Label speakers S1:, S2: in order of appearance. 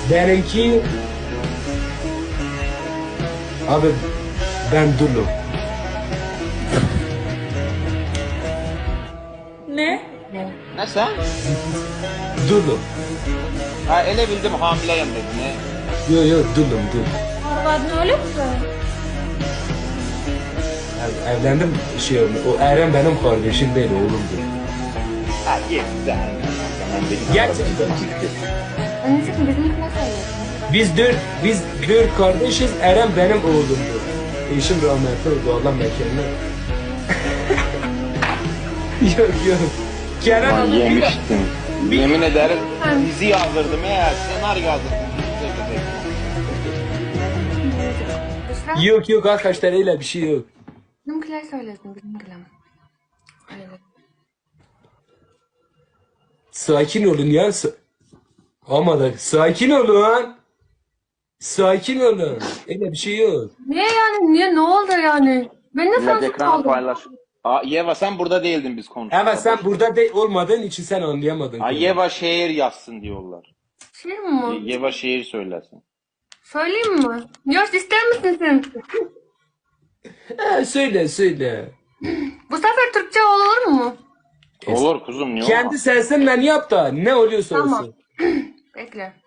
S1: Benimki... Abi ben dulum.
S2: Ne?
S3: Ne sen?
S1: Dulum.
S3: Ha ele bildim hamileyim dedin. Ne?
S1: Yo dulum.
S2: Arvadın öyle mi?
S1: Evlendim şey oldu. O Eren benim kardeşim değil oğlumdur.
S3: Ha iyi güzel.
S1: Gerçekten.
S4: Anneciğim bizimkine söylüyorsun.
S1: Biz dört kardeşiz. Eren benim oğlumdur. Eşim rahmetli oldu. Allah mekanına. yok. Kerem
S3: Ben
S1: abi
S3: yemiştim. Yemin ederim dizi yazdırdım ya. Senaryo yazdırdım.
S4: Büşra,
S1: Yok arkadaşlar öyle bir şey yok.
S4: bizimkiler söylesin bizimkiler. Öyle.
S1: Sakin olun ya. Ama da sakin olun. Sakin olun. Öyle bir şey yok.
S4: Niye yani? Niye? Ne oldu yani? Ben de
S3: Millet
S4: sensiz
S3: ekranı
S4: kaldım.
S3: paylaş. Aa, Yeva sen burada değildin biz konuştuk.
S1: Evet sen burada olmadığın için sen anlayamadın.
S3: Aa, Yeva şehir yazsın diyorlar.
S4: Şey mi?
S3: Yeva şehir söylesin.
S4: Söyleyeyim mi? Yoş ister misin sen?
S1: Söyle.
S4: Bu sefer Türkçe olur mu?
S3: Olur kuzum niye
S1: Kendi
S3: olmaz?
S1: sesinle yap da ne oluyorsa
S4: Tamam.
S1: olsun.
S4: Bekle.